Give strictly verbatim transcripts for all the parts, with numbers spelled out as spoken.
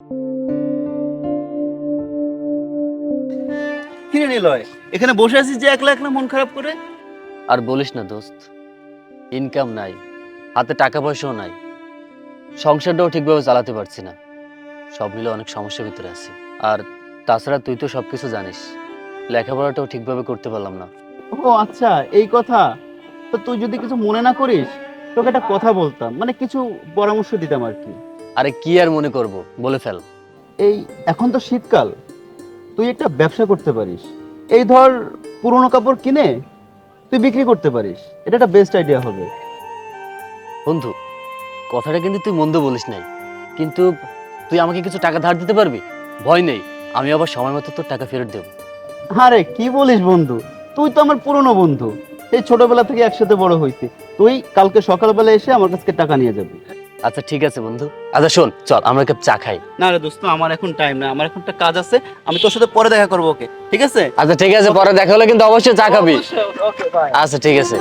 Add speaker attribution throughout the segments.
Speaker 1: কিরে নিলয়, এখানে বসে আছিস যে একলা একলা মন খারাপ করে?
Speaker 2: আর বলিস না দোস্ত, ইনকাম নাই, হাতে টাকা পয়সাও নাই, সংসারটাও ঠিকভাবে চালাতে পারছি না। সব মিলে অনেক সমস্যার ভিতরে আছি। আর তাছাড়া তুই তো সবকিছু জানিস, লেখাপড়াটাও ঠিকভাবে করতে পারলাম না।
Speaker 1: ও আচ্ছা, এই কথা। তো তুই যদি কিছু মনে না করিস, তোকে একটা কথা বলতাম, মানে কিছু পরামর্শ দিতাম আর কি।
Speaker 2: আরে কি আর মনে করব, বলে ফেল।
Speaker 1: এই এখন তো শীতকাল, তুই একটা ব্যবসা করতে পারিস। এই ধর, পুরোনো কাপড় কিনে তুই বিক্রি করতে পারিস। এটা একটা বেস্ট আইডিয়া হবে।
Speaker 2: বন্ধু, কথাটা কিন্তু তুই মন্দ বলিস নাই, কিন্তু তুই আমাকে কিছু টাকা ধার দিতে পারবি? ভয় নেই, আমি আবার সময় মতো তোর টাকা ফেরত দেবো।
Speaker 1: আরে কি বলিস বন্ধু, তুই তো আমার পুরনো বন্ধু, এই ছোটবেলা থেকে একসাথে বড় হয়েছি। তুই কালকে সকালবেলা এসে আমার কাছে টাকা নিয়ে যাবি।
Speaker 2: আচ্ছা ঠিক আছে বন্ধু। আচ্ছা শোন, চল আমরা এক কাপ চা খাই।
Speaker 1: না রে দোস্ত, আমার এখন টাইম না, আমার এখন একটা কাজ আছে। আমি তোর সাথে পরে দেখা করবো, ওকে? ঠিক আছে।
Speaker 2: আচ্ছা ঠিক আছে, পরে দেখা হলে কিন্তু অবশ্যই চা খাবি।
Speaker 1: Okay bye.
Speaker 2: আচ্ছা ঠিক আছে।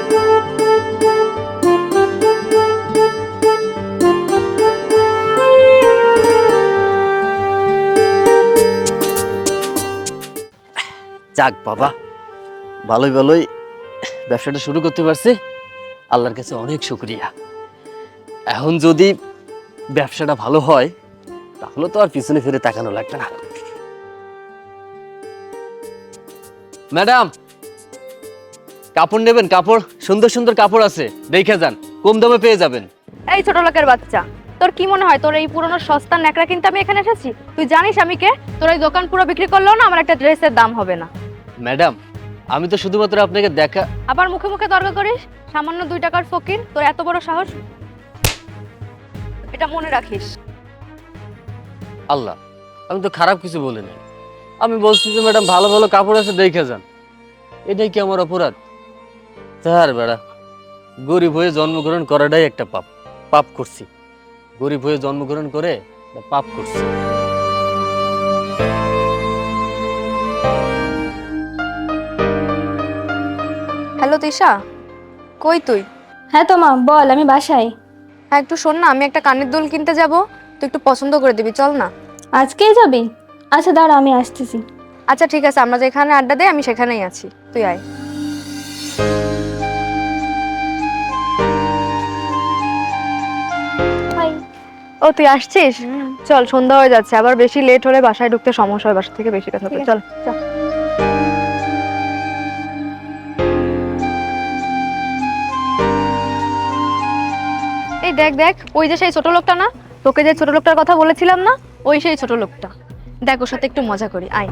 Speaker 2: যাক বাবা, ভালোই ভালোই ব্যবসাটা শুরু করতে পারছি, আল্লাহর কাছে অনেক শুকরিয়া। এখন যদি ব্যবসাটা ভালো হয় তাহলে তো আর পিছনে ফিরে তাকানো লাগবে না। ম্যাডাম, কাপড় নেবেন? কাপড় সুন্দর সুন্দর কাপড় আছে, দেখে যান, কম দামে পেয়ে যাবেন।
Speaker 3: এই ছোট লোকের বাচ্চা, তোর কি মনে হয় তোর এই পুরনো সস্তা ন্যাকড়া কিনতে আমি এখানে এসেছি? তুই জানিস আমি কে? তোর এই দোকান পুরো বিক্রি করলেও না আমার একটা ড্রেসের দাম হবে না।
Speaker 2: ম্যাডাম, আমি তো শুধুমাত্র আপনাকে দেখা।
Speaker 3: আবার মুখে মুখে তর্ক করিস? সামান্য দুই টাকার ফকির, তোর এত বড় সাহস! এটা মনে রাখিস।
Speaker 2: আল্লাহ, আমি তো খারাপ কিছু বলি নাই, আমি বলছি যে ম্যাডাম ভালো ভালো কাপড় আছে, দেখে যান। এটাই কি আমার অপরাধ? তার বেড়া, গরিব হয়ে জন্মগ্রহণ করাটাই একটা পাপ। পাপ করছি, গরিব হয়ে জন্মগ্রহণ করে পাপ করছি।
Speaker 3: হ্যালো তিশা, কই তুই?
Speaker 4: হ্যাঁ তো মা বল, আমি বাসায়।
Speaker 3: হ্যাঁ একটু শোন না, আমি একটা কানের দুল কিনতে যাব, তুই একটু পছন্দ করে দিবি, চল না।
Speaker 4: আজকেই যাবি? আচ্ছা দাঁড়া, আমি আসতেছি।
Speaker 3: আচ্ছা ঠিক আছে, আমরা যেখানে আড্ডা দেই আমি সেখানেই আছি, তুই আয়।
Speaker 4: হাই।
Speaker 3: ও তুই আসছিস? চল, সন্ধ্যা হয়ে যাচ্ছে, আবার বেশি লেট হলে বাসায় ঢুকতে সমস্যা হয়, বাসা থেকে বেশি কথা হবে। চল চল। এই দেখ দেখ, ওই যে সেই ছোট লোকটা না, তোকে যে ছোট লোকটার কথা বলেছিলাম না, ওই সেই ছোট লোকটা। দেখ, ওর সাথে একটু মজা করি, আয়।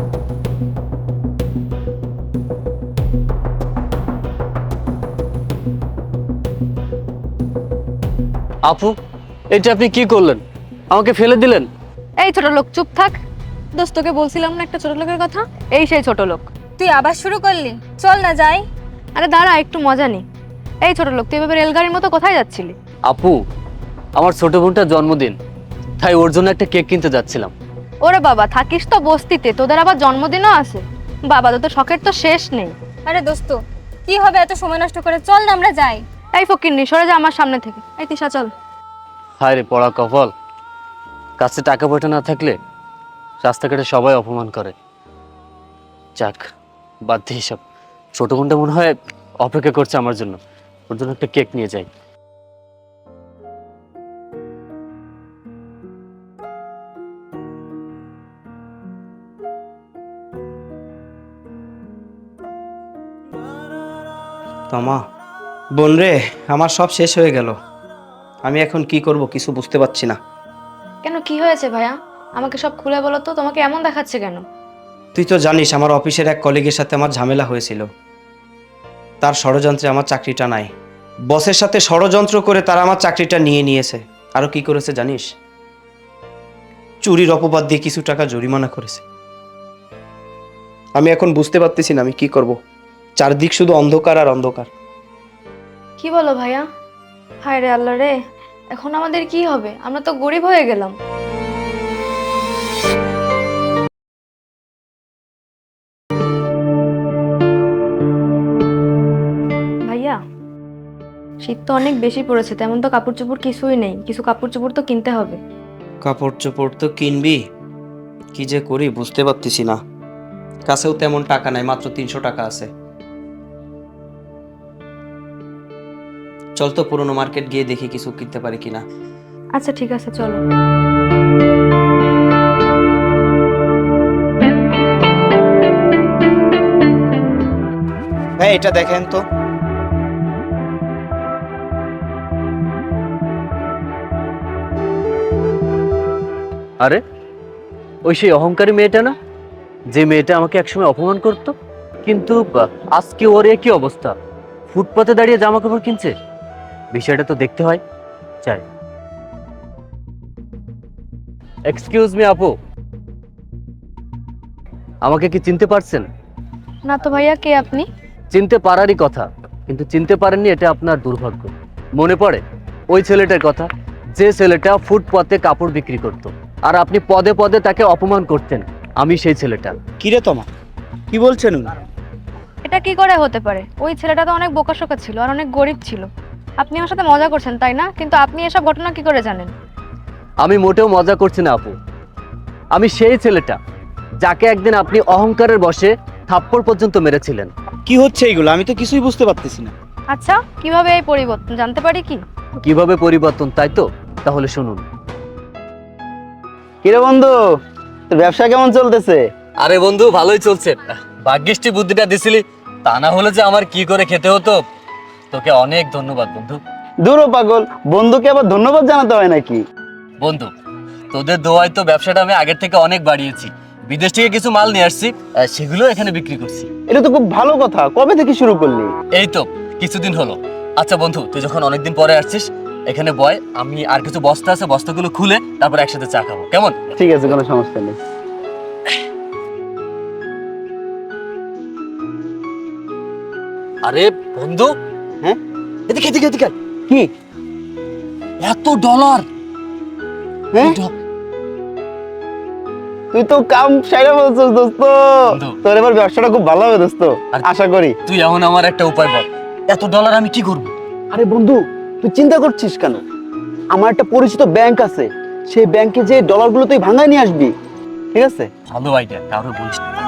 Speaker 2: আপু, এটা আপনি কি করলেন? আমাকে ফেলে দিলেন।
Speaker 3: এই ছোট লোক, চুপ থাক। দোস্ত, তোকে বলছিলাম না একটা ছোট লোকের কথা? এই সেই ছোট লোক।
Speaker 4: তুই আবার শুরু করলি, চল না যাই।
Speaker 3: আরে দাঁড়া, একটু মজা নি। এই ছোট লোক, তুই এভাবে রেলগাড়ির মতো কোথায় যাচ্ছিলি?
Speaker 2: আপু, আমার ছোট বোনটার জন্মদিন, তাই ওর জন্য একটা কেক কিনতে যাচ্ছিলাম।
Speaker 3: ওরে বাবা, থাকিস তো বস্তিতে, তোদের আবার জন্মদিনও আছে? বাবা, তোদের শখের তো শেষ নেই।
Speaker 4: আরে দোস্ত, কি হবে এত সময় নষ্ট করে, চল না আমরা যাই।
Speaker 3: এই ফকিন্নি, সরে যা আমার সামনে থেকে। এই তিশা, চল।
Speaker 2: হায় রে পড়া কপাল, কাছে টাকা পয়সা না থাকলে রাস্তাঘাটে সবাই অপমান করে। যাক, বাদ দিয়ে সব। ছোট বোনটা মনে হয় অপেক্ষা করছে আমার জন্য, ওর জন্য একটা কেক নিয়ে যাই।
Speaker 5: তমা, বোন রে, আমার সব শেষ হয়ে গেল। আমি এখন কি করব কিছু বুঝতে পারছি না।
Speaker 3: কেন, কি হয়েছে ভাইয়া? আমাকে সব খুলে বলো তো, তোমাকে এমন দেখাচ্ছে কেন?
Speaker 5: তুই তো জানিস আমার অফিসের এক কলিগের সাথে আমার ঝামেলা হয়েছিল। তার ষড়যন্ত্রে আমার চাকরিটা নাই। বসের সাথে ষড়যন্ত্র করে তারা আমার চাকরিটা নিয়ে নিয়েছে। আরো কি করেছে জানিস? চুরির অপবাদ দিয়ে কিছু টাকা জরিমানা করেছে। আমি এখন বুঝতে পারতেছি না আমি কি করব। চারদিক শুধু অন্ধকার আর অন্ধকার।
Speaker 3: কি বলো ভাইয়া? হায় রে আল্লাহ রে, এখন আমাদের কি হবে? আমরা তো গরিব হয়ে গেলাম। ভাইয়া, শীত তো অনেক বেশি পড়েছে, তেমন তো কাপড় চোপড় কিছুই নেই, কিছু কাপড় চোপড় তো কিনতে হবে।
Speaker 5: কাপড় চোপড় তো কিনবি, কি যে করি বুঝতে পারতেছি না। কাছেও তেমন টাকা নাই, মাত্র তিনশো টাকা আছে। চল তো পুরনো মার্কেট গিয়ে দেখি কিছু কিনতে পারি কিনা।
Speaker 3: আচ্ছা ঠিক আছে, চলো।
Speaker 5: হ্যাঁ, এটা দেখেন তো।
Speaker 2: আরে ওই সেই অহংকারী মেয়েটা না, যে মেয়েটা আমাকে একসময় অপমান করতো, কিন্তু আহ, আজকে ওর একই অবস্থা, ফুটপাতে দাঁড়িয়ে জামা কাপড় কিনছে। বিষয়টা তো দেখতে হয়, চাই। এক্সকিউজ মি আপু, আমাকে কি চিনতে পারছেন?
Speaker 3: না তো ভাইয়া, কে আপনি?
Speaker 2: চিনতে পারারই কথা, কিন্তু চিনতে পারেননি, এটা আপনার দুর্ভাগ্য। মনে পড়ে ওই ছেলেটার কথা, যে ছেলেটা ফুটপাতে কাপড় বিক্রি করত, আর আপনি পদে পদে তাকে অপমান করতেন? আমি সেই ছেলেটা।
Speaker 5: কিরে তোমা, কি বলছেন উনি?
Speaker 3: এটা কি করে হতে পারে? ওই ছেলেটা তো অনেক বোকাশোকা ছিল আর অনেক গরিব ছিল। আপনি আমার সাথে মজা করছেন তাই না? কিন্তু আপনি এসব ঘটনা কি করে জানেন?
Speaker 2: আমি মোটেও মজা করছি না আপু, আমি সেই ছেলেটা যাকে একদিন আপনি অহংকারের বশে থাপ্পড় পর্যন্ত মেরেছিলেন।
Speaker 6: কি হচ্ছে এইগুলো? আমি তো কিছুই বুঝতে পারতেছি না।
Speaker 3: আচ্ছা, কিভাবে এই পরিবর্তন জানতে পারি কি?
Speaker 2: কিভাবে পরিবর্তন, তাই তো? তাহলে শুনুন।
Speaker 1: কিরে বন্ধু, তোর ব্যবসা কেমন চলতেছে?
Speaker 2: আরে বন্ধু, ভালোই চলছে। ভাগ্যিষ্টি বুদ্ধিটা দিছিলি, তা না হলে যে আমার কি করে খেতে হতো। তোকে অনেক ধন্যবাদ বন্ধু।
Speaker 1: দূর ও পাগল, বন্ধুকে আবার ধন্যবাদ জানাতে হয় নাকি?
Speaker 2: বন্ধু, তোদের দোয়ায় তো ব্যবসাটা আমি আগের থেকে অনেক বাড়িয়েছি। বিদেশ থেকে কিছু মাল নিয়ে আসছি, আহ, সেগুলো এখানে বিক্রি করছি।
Speaker 1: এটা তো খুব ভালো কথা। কবে থেকে শুরু করলি?
Speaker 2: এই তো কিছুদিন হলো। আচ্ছা বন্ধু, তুই যখন অনেকদিন পরে আসছিস, এখানে বয়, আমি আর কিছু বস্তা আছে, বস্তাগুলো খুলে তারপর একসাথে চা খাবো, কেমন?
Speaker 1: ঠিক আছে, কোনো সমস্যা নেই।
Speaker 2: আরে বন্ধু,
Speaker 1: হ্যাঁ,
Speaker 2: এদিকে এদিকে এদিকে।
Speaker 1: কি?
Speaker 2: এত ডলার!
Speaker 1: হ্যাঁ, তুই তো কাম সাইরা বলছিস দোস্ত।
Speaker 2: বন্ধু।
Speaker 1: তোর এবার ব্যবসাটা খুব ভালো হবে দোস্ত,
Speaker 2: আর-
Speaker 1: আশা করি।
Speaker 2: তুই এখন আমার একটা উপায় বল, এত ডলার আমি কি করব?
Speaker 1: আরে বন্ধু, তুই চিন্তা করছিস কেন? আমার একটা পরিচিত ব্যাংক আছে, সেই ব্যাংকে যে ডলারগুলো তুই ভাঙায় নিয়ে আসবি, ঠিক আছে?
Speaker 2: ভালো আইডিয়া, কারো বলিস না।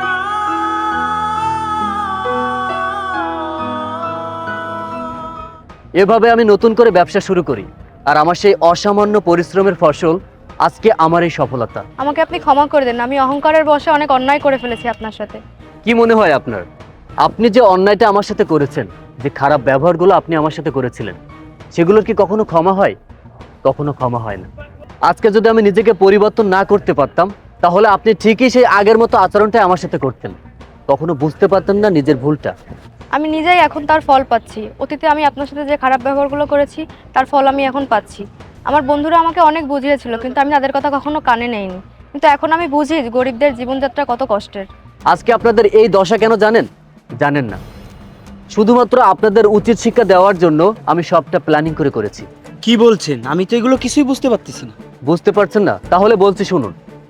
Speaker 2: এভাবে আমি নতুন করে ব্যবসা শুরু করি, আর আমার সেই অসামান্য পরিশ্রমের ফসল আজকে আমার এই সফলতা।
Speaker 3: আমাকে আপনি ক্ষমা করে দেন, আমি অহংকারের বশে অনেক অন্যায় করে ফেলেছি আপনার সাথে।
Speaker 2: কি মনে হয় আপনার? আপনি যে অন্যায়টা আমার সাথে করেছেন, যে খারাপ ব্যবহারগুলো আপনি আমার সাথে করেছিলেন, সেগুলোর কি কখনো ক্ষমা হয়? কখনো ক্ষমা হয় না। আজকে যদি আমি নিজেকে পরিবর্তন না করতে পারতাম, তাহলে আপনি ঠিকই সেই আগের মতো আচরণটাই আমার সাথে করতেন। কখনো বুঝতে পারতেন না নিজের ভুলটা।
Speaker 3: আমি নিজেই এখন তার ফল পাচ্ছি। অতীতে আমি আপনার সাথে যে খারাপ ব্যবহারগুলো করেছি, তার ফল আমি এখন পাচ্ছি। আমার বন্ধুরা আমাকে অনেক বুঝিয়েছিল, কিন্তু আমি তাদের কথা কখনো কানে নেইনি। কিন্তু এখন আমি বুঝি গরিবদের জীবনযাত্রা কত কষ্টের।
Speaker 2: আজকে আপনাদের এই দশা কেন জানেন? জানেন না। শুধুমাত্র আপনাদের উচিত শিক্ষা দেওয়ার জন্য আমি সবটা প্ল্যানিং করে করেছি।
Speaker 6: কি বলছেন? আমি তো এগুলো কিছুই বুঝতে পারতেছি না।
Speaker 2: বুঝতে পারছেন না? তাহলে বলছি শুনুন।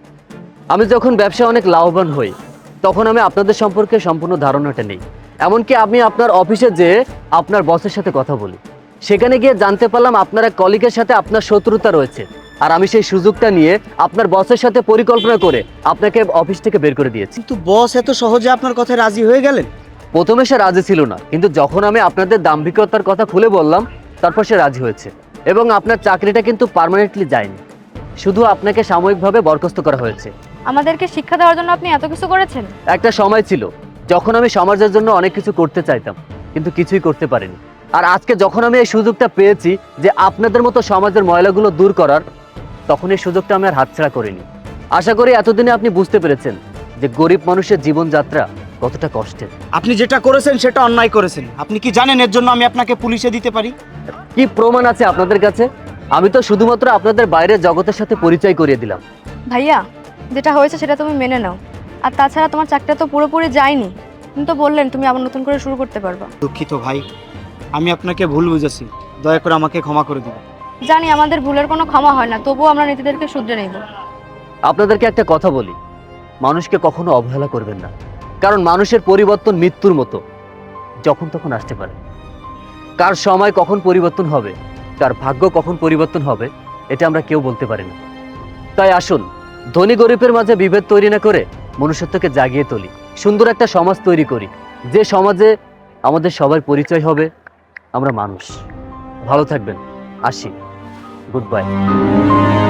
Speaker 2: আমি যখন ব্যবসায় অনেক লাভবান হই, তখন আমি আপনাদের সম্পর্কে সম্পূর্ণ ধারণাটা নেই। এমনকি আমি আপনার অফিসে যেয়ে আপনার বসের সাথে কথা বলি, সেখানে গিয়ে জানতে পারলাম আপনার এক কলিগের সাথে আপনার শত্রুতা রয়েছে। আর আমি সেই সুযোগটা নিয়ে আপনার বসের সাথে পরিকল্পনা করে আপনাকে অফিস থেকে বের করে দিয়েছি।
Speaker 6: কিন্তু বস এত সহজে আপনার কথায় রাজি হয়ে গেলেন?
Speaker 2: প্রথমে সে রাজি ছিল না, কিন্তু যখন আমি আপনাদের দাম্ভিকতার কথা খুলে বললাম, তারপর সে রাজি হয়েছে। এবং আপনার চাকরিটা কিন্তু পার্মানেন্টলি যায়নি, শুধু আপনাকে সাময়িকভাবে বরখাস্ত করা হয়েছে।
Speaker 3: আমাদেরকে শিক্ষা দেওয়ার জন্য আপনি এত কিছু করেছেন?
Speaker 2: একটা সময় ছিল যখন আমি সমাজের জন্য অনেক কিছু করতে চাইতাম, কিন্তু কিছুই করতে পারিনি। আর আজকে যখন আমি এই সুযোগটা পেয়েছি যে আপনাদের মতো সমাজের ময়লাগুলো দূর করার, তখন এই সুযোগটা আমি আর হাতছাড়া করিনি। আশা করি এতদিনে আপনি বুঝতে পেরেছেন যে গরিব মানুষের জীবনযাত্রা কতটা কষ্টের।
Speaker 6: আপনি যেটা করেছেন সেটা অন্যায় করেছেন। আপনি কি জানেন এর জন্য আমি আপনাকে পুলিশে দিতে পারি?
Speaker 2: কি প্রমাণ আছে আপনাদের কাছে? আমি তো শুধুমাত্র আপনাদের বাইরের জগতের সাথে পরিচয় করিয়ে দিলাম।
Speaker 3: ভাইয়া, যেটা হয়েছে সেটা তুমি মেনে নাও। আর তাছাড়া তোমার চাকরিটা তো পুরোপুরি যায়নি। তুমি তো বললেন তুমি আবার নতুন করে শুরু করতে পারবা।
Speaker 6: দুঃখিত ভাই, আমি আপনাকে ভুল বুঝেছি। দয়া করে আমাকে ক্ষমা করে দিবেন।
Speaker 3: জানি আমাদের ভুলের কোনো ক্ষমা হয় না, তবুও আমরা নিজেদেরকে শুধরে নেব।
Speaker 2: আপনাদেরকে একটা কথা বলি, মানুষকে কখনো অবহেলা করবেন না, কারণ মানুষের পরিবর্তন মৃত্যুর মতো, যখন তখন আসতে পারে। কার সময় কখন পরিবর্তন হবে, কার ভাগ্য কখন পরিবর্তন হবে, এটা আমরা কেউ বলতে পারি না। তাই আসুন ধনী গরিবের মাঝে বিভেদ তৈরি না করে মনুষ্যত্বকে জাগিয়ে তুলি, সুন্দর একটা সমাজ তৈরি করি, যে সমাজে আমাদের সবার পরিচয় হবে আমরা মানুষ। ভালো থাকবেন, আসি, গুড বাই।